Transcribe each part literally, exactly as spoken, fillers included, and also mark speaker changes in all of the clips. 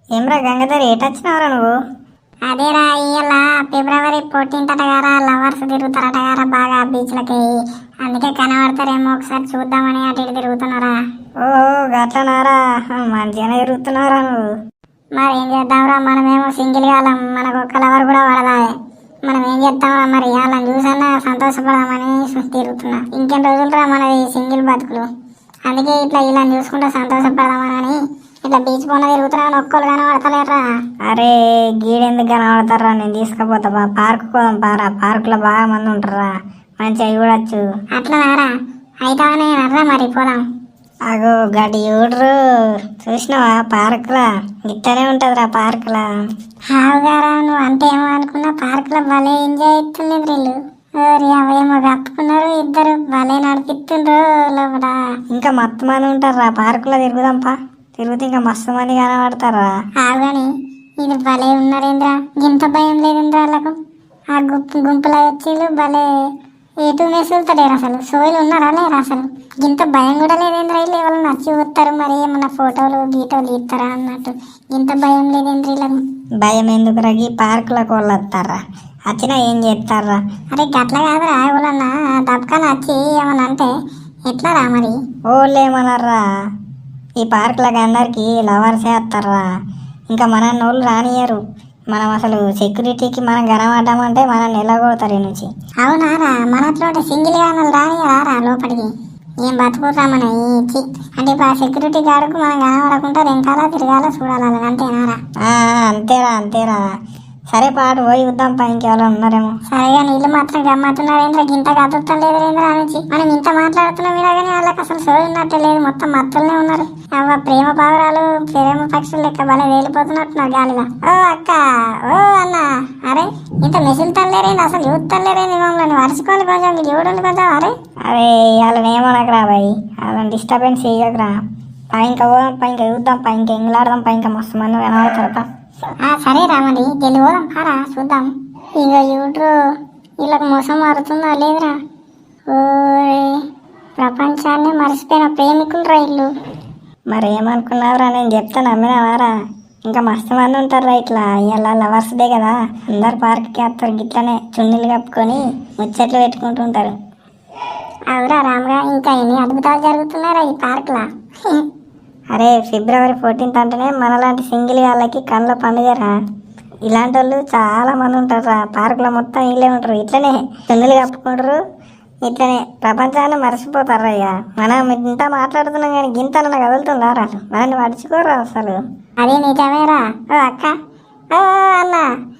Speaker 1: ఏమ్రా గంగాధర్ ఏటొచ్చినావురా నువ్వు?
Speaker 2: అదేరా ఇయ్యాల ఫిబ్రవరి ఫోర్టీన్త్ అటగారా లవర్స్ తిరుగుతారటగారా బాగా బీచ్లకి. అందుకే కనబడతారేమో ఒకసారి చూద్దామని అటు ఇటు తిరుగుతున్నారా.
Speaker 1: ఓహో గట్లనారా, మంచిగానే తిరుగుతున్నావురా నువ్వు.
Speaker 2: మరి ఏం చేద్దాంరా, మనమేమో సింగిల్ కాలం, మనకు ఒక్క లవర్ కూడా పడదాయే. మనం ఏం చేద్దాంరా మరి, వాళ్ళని చూసన్నా సంతోషపడదామని తిరుగుతున్నా. ఇంకెన్ని రోజులురా మనది సింగిల్ బతుకులు. అందుకే ఇట్లా ఇలా చూసుకుంటే సంతోషపడదామని ఇట్లా బీచ్ పోన తిరుగుతున్నా. ఒక్కరు కనబడతలేరా.
Speaker 1: అరే గీడెందుకు కనబడతారా, నేను తీసుకుపోతా బా, పార్క్ పోదాం పారా. పార్కులో బాగా మంది ఉంటారా, మంచిగా చూడొచ్చు.
Speaker 2: అట్లనారా, అయితానే అర్రా మరి పోదాం.
Speaker 1: అగో గడి చూడరు, చూసినావా పార్కులా ఇట్టనే ఉంటదిరా పార్కులా.
Speaker 2: హావుగారా, నువ్వు అంటే ఏమో అనుకున్నా, పార్కులో భలే ఎంజాయ్ అవుతుంది వీళ్ళు. ఓరి అవేమో కప్పుకున్నారు ఇద్దరు, భలే నడిపిస్తుండ్రు లోపల.
Speaker 1: ఇంకా మత్తు మంది ఉంటారా పార్కులో, తిరుగుదాంపా. తిరుగుతే ఇంకా మస్తు మంది కనబడతారా.
Speaker 2: హావుగాని ఇది భలే ఉన్నారేంద్రా, ఇంత భయం లేదేంద్రా వాళ్ళకు. ఆ గుంపు గుంపులో వచ్చిళ్ళు భలే ఎటు మెసులుతాడేరు, అసలు సోయిలు ఉన్నారా లేరు అసలు. ఇంత భయం కూడా లేదేంద్రా, వీళ్ళు ఎవరు నచ్చి వస్తారు మరి, ఏమన్నా ఫోటోలు గీటోలు ఇస్తారా అన్నట్టు. ఇంత భయం లేదేంద్ర వీళ్ళకు.
Speaker 1: భయం ఎందుకు రగి, పార్కులకు వాళ్ళు వస్తారా, వచ్చినా ఏం చేస్తారా.
Speaker 2: అరే గట్ల కాదురా, ఎవరన్నా దబ్కాన వచ్చి ఏమన్నా అంటే ఎట్లా రా మరి.
Speaker 1: ఓళ్ళు ఏమన్నారా, ఈ పార్కులకు అందరికి లవర్సే వస్తారా, ఇంకా మన వాళ్ళు రానియరు. మనం అసలు సెక్యూరిటీకి మనం కనబడ్డామంటే మనం ఎలాగోతారు ఈ నుంచి.
Speaker 2: అవునారా, మనట్లో సింగిల్ గానలు రానియరా లోపలికి. ఏం బతుకుతా మన ఇచ్చి అంటే ఇప్పుడు ఆ సెక్యూరిటీ గార్డుకు మనం కనబడకుండా వెనకాల తిరగాల చూడాలి, అంతేనారా.
Speaker 1: అంతేరా అంతేరా. సరే పాటు పోయి చూద్దాం పా, ఇంకెవరో ఉన్నారేమో.
Speaker 2: సరేగా నీళ్ళు మాత్రం గమ్మత్తున్నారేంద్ర, ఇంత కదులుతాం లేదు రేంద్ర నుంచి. మనం ఇంత మాట్లాడుతున్నాం మీద కానీ వాళ్ళకి అసలు సోయి ఉన్నట్టే లేదు, మొత్తం మత్తులనే ఉన్నారు. అవ్వ ప్రేమ పావురాలు ప్రేమ పక్షులు లెక్క భలే వేలిపోతున్నట్టున్నారు గాలిగా. ఓ అక్క, ఓ అన్న, అరే ఇంత మెసులుతలేరేంది, అసలు చూస్తలేరేంది మమ్మల్ని. వరుసుకోవాలి కొంచెం, చూడండి కొంచెం. అరే
Speaker 1: అరే వాళ్ళని ఏమనకరా బాయ్, వాళ్ళని డిస్టర్బెన్స్ చేయకరా పా. ఇంకా పోదాం పా, ఇంకా చూద్దాం పా, ఇంకా ఎంగులాడదాం పా, ఇంకా మస్తు మంది కనబడతారు పా.
Speaker 2: సరే రామని జల్ది పోదాం పారా చూద్దాం. ఇక చూడరు వీళ్ళకి మోసం మారుతుందా లేదురా. ఓ ప్రపంచాన్ని మర్చిపోయిన ప్రేమికులు రా ఇల్లు.
Speaker 1: మరి ఏమనుకున్నావురా, నేను చెప్తా నమ్మినావారా. ఇంకా మస్తు మంది ఉంటారా ఇట్లా, ఇలా లవర్స్ డే కదా, అందరు పార్క్కి వస్తారు గిట్లనే చున్నీలు కప్పుకొని ముచ్చట్లు పెట్టుకుంటుంటారు.
Speaker 2: అవురా రామ్గా, ఇంకా ఎన్ని అద్భుతాలు జరుగుతున్నారా ఈ పార్క్లా.
Speaker 1: అరే ఫిబ్రవరి ఫోర్టీన్త్ అంటేనే మనలాంటి సింగిల్ వాళ్ళకి కళ్ళ పండుగరా. ఇలాంటి వాళ్ళు చాలా మంది ఉంటారా పార్కులో, మొత్తం వీళ్ళే ఉంటారు. ఇట్లనే చున్నీలు కప్పుకుంటారు, ఇట్లనే ప్రపంచాన్ని మర్చిపోతారా. ఇక మనం ఇంత మాట్లాడుతున్నాం కానీ గింతన కదులుతుందారా, మనల్ని మర్చిపోరా అసలు.
Speaker 2: అదే నిజమేరా. ఓ అక్క, ఓ అన్న,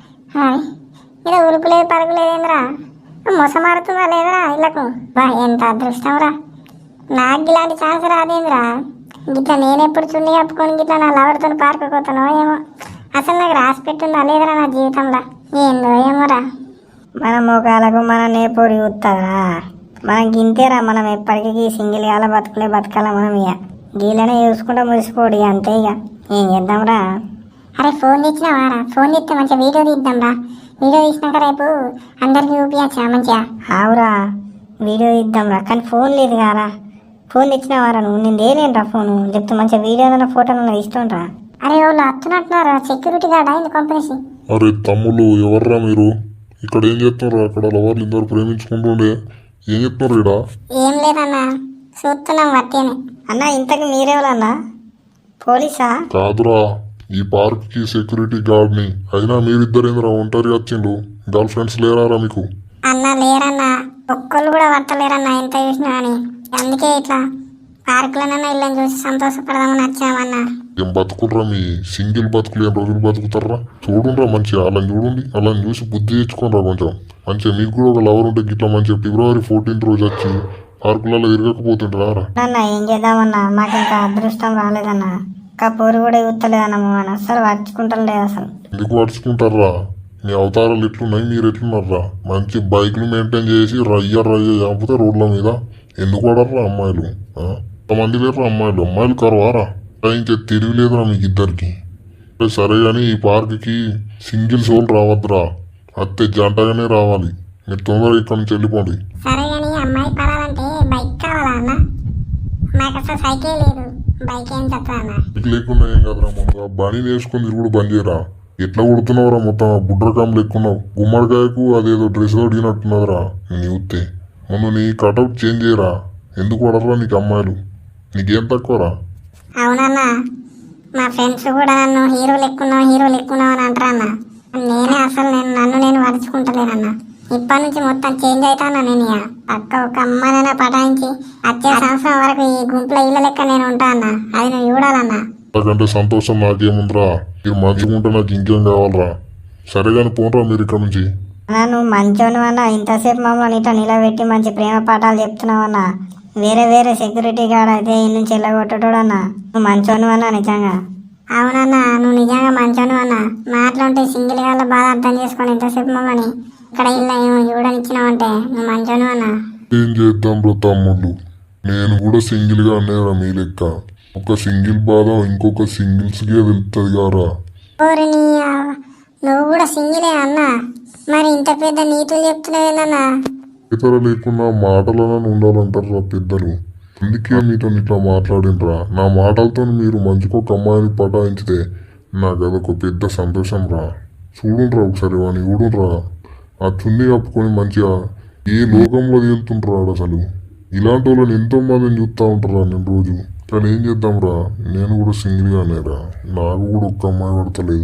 Speaker 2: ఇలా ఉరుకులేదు పరుగులేదేంద్రా, మోసమాడుతుందా లేదురా ఇళ్ళకు. బా ఎంత అదృష్టం రా, నాకు ఇలాంటి ఛాన్స్ రాదేంద్రా. గిట్లా నేనెప్పుడు చున్నీ కప్పుకొని గిట్లా నా లవర్తో పార్కు పోతానో ఏమో. అసలు నాకు రాసి పెట్టుందా లేదురా నా జీవితంలో, ఏందో ఏమోరా.
Speaker 1: మన మోకాలకు మన నేపోడి చూస్తారా, మనం గింతేరా. మనం ఎప్పటికీ సింగిల్ కాల బతుకులే బతకాల మనం. ఇక గీలనే చూసుకుంటా మురిసిపోడు అంతే. ఇక ఏం చేద్దాంరా.
Speaker 2: అరే ఫోన్ తెచ్చినావారా, ఫోన్ తెస్తే మంచిగా వీడియో తీద్దాం రా. వీడియో తీసినాక రేపు అందరికి చూపించా మంచిగా.
Speaker 1: ఆవురా వీడియో తీద్దాంరా, కానీ ఫోన్ లేదు కారా. ఫోన్ తెచ్చినావారా నువ్వు, నేను దేనేనరా ఫోను చెప్తే మంచిగా వీడియో ఫోటోలు ఇస్తుండ్రా.
Speaker 2: అరే వాళ్ళు వస్తున్నట్టున్నారా, సెక్యూరిటీ గార్డ్ అయింది కంపెనీ.
Speaker 3: అరే తమ్ముళ్ళు ఎవర్రా మీరు, ఇక్కడ ఏం చేస్తున్నారు? అక్కడ లవర్లు ఇద్దరు ప్రేమించుకుంటుండే ఏం చెప్తున్నారు ఇక్కడ?
Speaker 2: ఏం లేదన్నా, చూస్తున్నాం వట్టేనే.
Speaker 1: అన్న ఇంతకు మీరేవాళ్ళన్నా, పోలీసా?
Speaker 3: కాదురా, ఈ పార్క్ కి సెక్యూరిటీ గార్డ్ ని. అయినా మీరిద్దరేంద్రా ఒంటరి వచ్చిండు, గర్ల్ ఫ్రెండ్స్ లేరారా మీకు?
Speaker 2: అన్న లేరన్నా, ఒక్కళ్ళు కూడా పట్టలేరన్నా ఎంత చూసినా అని. అందుకే ఇట్లా పార్కులనన్నా ఇళ్ళని చూసి సంతోషపడదామని వచ్చామన్నా.
Speaker 3: ఏం బతుకుర్రా మీ సింగిల్ బతుకులు, ఏం రోజులు బతుకుతారా? చూడుండ్రా మంచిగా, అలా చూడండి, అలా చూసి బుద్ధి తెచ్చుకోనరా కొంచెం. మంచిగా మీకు కూడా ఒక లవర్ ఉంటే గిట్లా మంచిగా ఫిబ్రవరి ఫోర్టీన్త్ రోజు వచ్చి పార్కులలో తిరగకపోతుంటారా?
Speaker 1: అన్న ఏం చేద్దామన్నా, మాకు ఇంకా అదృష్టం రాలేదన్నా. ఇంకా పోరు కూడా ఇవ్వలేదన్నా, మనం అసలు పడుచుకుంటాం లేదు అసలు.
Speaker 3: ఎందుకు పడుచుకుంటారా? మీ అవతారాలు ఎట్లున్నాయి, మీరు ఎట్లున్నారా? మంచి బైక్లు మెయింటైన్ చేసి రయ్య రయ్య చంపితే రోడ్ల మీద. ఎందుకు పడరా అమ్మాయిలు? మంది లేరు అమ్మాయిలు, అమ్మాయిలు కరవారా? ఇంకా తెలివి లేదురా మీకు ఇద్దరికి. సరే కానీ ఈ పార్క్కి సింగిల్ సోల్ రావద్దురా, అత్తే జంటగానే రావాలి. మీరు తొందరగా ఇక్కడ నుంచి వెళ్ళిపోండి.
Speaker 2: సరే కానీ అమ్మాయి పడాలంటే బైక్ కావాలా అన్న? నాకు అసలు సైకిల్ లేదు, బైక్ ఏం తక్కువ అన్న
Speaker 3: బైక్ లేకుండా ఏం కదరా ముందుగా బండి వేసుకొని తిరుగుడు బంద్ చేయరా. ఎట్లా కొడుతున్నావురా మొత్తం బుడ్రకాం లెక్కున్నావు. గుమ్మడికాయకు అదేదో డ్రెస్ తొడిగినట్టున్నదిరా నేను చూస్తే. ముందు నీ కటౌట్ చేంజ్ చేయరా. ఎందుకు పడరా నీకు అమ్మాయిలు? నీకేం తక్కువరా?
Speaker 2: అవునన్నా మా ఫ్రెండ్స్ కూడా నన్ను హీరో లెక్కున్నావు హీరో లెక్కున్నావు అని అంటారా అన్న. నేనే అసలు నేను నన్ను నేను మర్చుకుంటలేనన్నా. ఇప్పటి నుంచి మొత్తం చేంజ్ అవుతానా నేను. ఇక పక్క ఒక అమ్మాయినైనా పటాయించి వచ్చే సంవత్సరం వరకు ఈ గుంపులో ఇళ్ళ లెక్క నేను ఉంటా అన్న. అది నువ్వు చూడాలన్నా.
Speaker 3: నాకంటే సంతోషం నాకేముందిరా. మీరు మంచిగా ఉంటే నాకు ఇంకేం కావాలరా. సరే కానీ పోనరా మీరు ఇక్కడ నుంచి.
Speaker 1: అన్నా నువ్వు మంచోను అన్న, ఇంతసేపు మమ్మల్ని ఇట్లా నిలబెట్టి మంచి ప్రేమ పాఠాలు చెప్తున్నావు అన్న. వేరే వేరే సెక్యూరిటీ గార్డ్ అయితే ఈ నుంచి వెళ్ళగొట్టడు అన్న. నువ్వు మంచోను అన్న నిజంగా.
Speaker 2: అవునన్నా నువ్వు నిజంగా మంచోను అన్న. మాటలుంటే సింగిల్ గాళ్ళ బాధ అర్థం చేసుకొని ఇంతసేపు మమ్మల్ని ఇక్కడ ఇల్లు ఏమో చూడనిచ్చినావంటే నువ్వు మంచోను అన్న.
Speaker 3: ఏం చేద్దాం బ్రో తమ్ముళ్ళు, నేను కూడా సింగిల్ గా అనేరా మీ లెక్క. ఒక సింగిల్ బాధ ఇంకొక సింగిల్స్ కే తెలుస్తుంది కారా.
Speaker 2: ఓరి నీ అవ్వ, నువ్వు కూడా సింగిలే అన్నా. మరి ఇంత పెద్ద నీతులు చెప్తున్నావేనన్నా.
Speaker 3: ఇతర లేకుండా మాటలను ఉండాలంటారా పెద్దలు. అందుకే మీతో ఇట్లా మాట్లాడినరా. నా మాటలతో మీరు మంచికొక అమ్మాయిని పటాయించితే నాకు అదొక పెద్ద సంతోషం రా. చూడుండ్రా ఒకసారి వాడిని చూడుండ్రా. ఆ చున్నీ కప్పుకొని మంచిగా ఏ లోకంలో తేలుతుంటాడు అసలు. ఇలాంటి వాళ్ళని ఎంతో మందిని చూస్తూ ఉంటారా నేను రోజు. కానీ ఏం చేద్దాం రా, నేను కూడా సింగిల్గా అనేరా. నాకు కూడా ఒక్క అమ్మాయి పడతలేదు.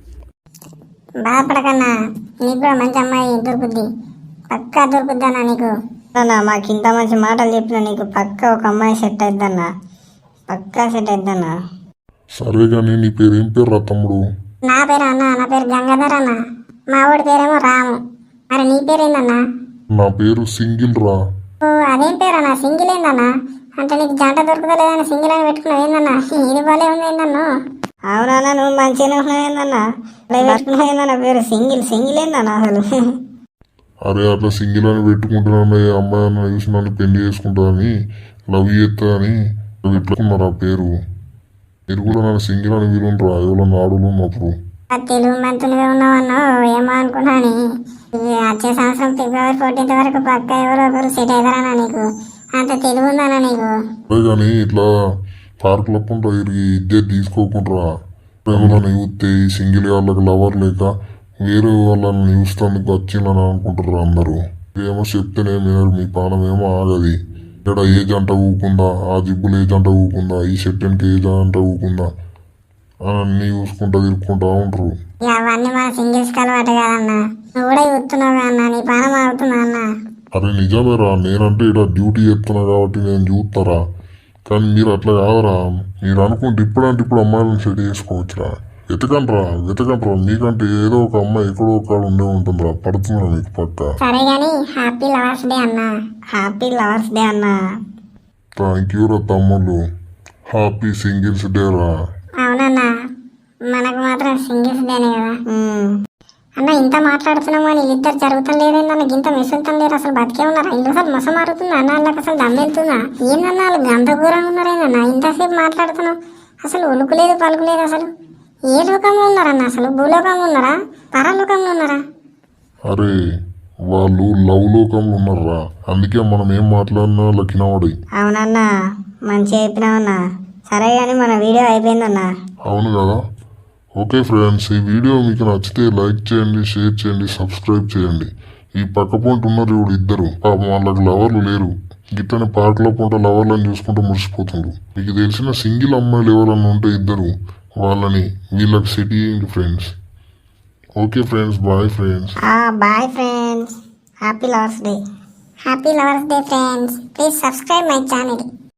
Speaker 2: బాధపడకన్నా, నీకు కూడా మంచి అమ్మాయి దొరుకుద్ది. పక్కా దొరుకుద్దన్నా నీకు.
Speaker 1: అన్న మాకు ఇంత మంచి మాటలు చెప్పిన నీకు పక్క ఒక అమ్మాయి సెట్ అయిద్దన్న. పక్కా సెట్ అయిద్దన్న.
Speaker 3: సరే కానీ నీ పేరు ఏం పేరు రా తమ్ముడు?
Speaker 2: నా పేరు అన్న, నా పేరు గంగాధర్ అన్న. మా ఊడి పేరేమో రాము. మరి నీ పేరేందన్నా?
Speaker 3: నా పేరు సింగిల్ రా.
Speaker 2: ఓ అదేం పేరు అన్న, సింగిల్ ఏందన్నా? అంటే నీకు జంట దొరుకుతలేదని సింగిల్ అని పెట్టుకున్నావు ఏందన్నా? ఇది బాలే ఉంది ఏందన్ను.
Speaker 1: అవునన్నా నువ్వు మంచిగానే ఉన్నావు ఏందన్నా. పెట్టుకున్నావు ఏందన్న పేరు సింగిల్. సింగిల్ ఏందన్నా అసలు.
Speaker 3: అరే అట్లా సింగిల్ అని పెట్టుకుంటున్నాను అమ్మాయి అన్న చూసి నన్ను పెళ్లి చేసుకుంటుందని లవ్ చేస్తుందని పెట్టుకున్నారు ఆ పేరు. మీరు కూడా నన్ను సింగిల్ అని వీలుంటారా ఎవరన్నా ఆడులు ఉన్నప్పుడు?
Speaker 2: తెలుగు మంత్రులుగా ఉన్నావన్నా ఏమో అనుకున్నాను. ఇది వచ్చే సంవత్సరం ఫిబ్రవరి ఫోర్టీన్త్ వరకు పక్క ఎవరో ఒకరు సెట్ అవుతారన్నా. నీకు అంత తెలుగు ఉందన్నా నీకు.
Speaker 3: అదే కానీ ఇట్లా పార్కులో ఉంటా ఇరిగి ఇద్దరు తీసుకోకుండా ఎవరైనా చూస్తే ఈ సింగిల్ వాళ్ళకి లవర్ లేక వేరే వాళ్ళని చూస్తానికి వచ్చిందని అనుకుంటారు అందరూ. ఏమో చెప్తేనే మీరు మీ పానం ఏమో ఆగది. ఇక్కడ ఏ జంట ఊకుందా, ఆ జిబ్బులు ఏ జంట ఊకుందా, ఈ సెట్టెన్కి ఏ జంట ఊకుందా అని అన్నీ చూసుకుంటా తిరుక్కుంటా ఉంటారు.
Speaker 2: ఇక అవన్నీ మన సింగిల్స్ అలవాటు కాదన్నా. నువ్వు కూడా చూస్తున్నావు అన్నా, నీ పానం ఆగుతుందా అన్నా?
Speaker 3: అరే నిజమేరా, నేనంటే ఇక్కడ డ్యూటీ చేస్తున్నా కాబట్టి నేను చూస్తారా. కానీ మీరు అట్లా కాదరా. మీరు అనుకుంటే ఇప్పుడంటే ఇప్పుడు అమ్మాయిలను సెట్ చేసుకోవచ్చురా. వెతకండ్రా వెతకండ్రా. మీకంటే ఏదో ఒక అమ్మాయి ఎక్కడో ఒక ఉండే ఉంటుందిరా. పడుతుందిరా మీకు పక్క.
Speaker 2: సరే గానీ హ్యాపీ లవర్స్ డే అన్నా.
Speaker 1: హ్యాపీ లవర్స్ డే అన్నా.
Speaker 3: థ్యాంక్ యూ రా తమ్ముళ్ళు. హ్యాపీ సింగిల్స్ డే రా.
Speaker 2: అవునన్నా, మనకు మాత్రం సింగిల్స్ డేనే కదా
Speaker 1: ఉమ్.
Speaker 2: అన్న. ఇంత మాట్లాడుతున్నాము అని వీళ్ళిద్దరు జరుగుతాం లేదేందన్న, ఇంత మెసులుతాం లేరు. అసలు బతికే ఉన్నారా? ఇంట్లో అసలు మొసం మారుతుందా అన్న? వాళ్ళకి అసలు దమ్ వెళ్తుందా ఏందన్నా? వాళ్ళు అంత ఘోరంగా ఉన్నారేందన్నా? ఇంతసేపు మాట్లాడుతున్నాం అసలు ఉలుకులేదు పలుకులేదు. అసలు ఏ లోకంలో ఉన్నారన్న? అసలు భూలోకంలో ఉన్నారా, పరలోకంలో ఉన్నారా?
Speaker 3: అరే వాళ్ళు లవ్ లోకంలో ఉన్నారా. అందుకే మనం ఏం మాట్లాడినా లక్కినవాడి.
Speaker 1: అవునన్నా మంచిగా చెప్పినావన్నా. సరే కానీ మన వీడియో అయిపోయిందన్నా.
Speaker 3: అవును కదా. ఓకే ఫ్రెండ్స్, ఈ వీడియో మీకు నచ్చితే లైక్ చేయండి, షేర్ చేయండి, సబ్స్క్రైబ్ చేయండి. ఈ పక్క పొంట ఉన్నారు ఇప్పుడు ఇద్దరు, పాపం వాళ్ళకి లవర్లు లేరు. గిట్టని పార్కులో పొంట లవర్లను చూసుకుంటూ మురిసిపోతుండ్రు. మీకు తెలిసిన సింగిల్ అమ్మాయిలు ఎవరన్నా ఉంటే ఇద్దరు వాళ్ళని వీళ్ళకి సెట్ చేయండి friends. Okay friends, bye friends.
Speaker 1: Bye friends. Happy lovers day.
Speaker 2: Happy lovers day friends. Please subscribe my channel.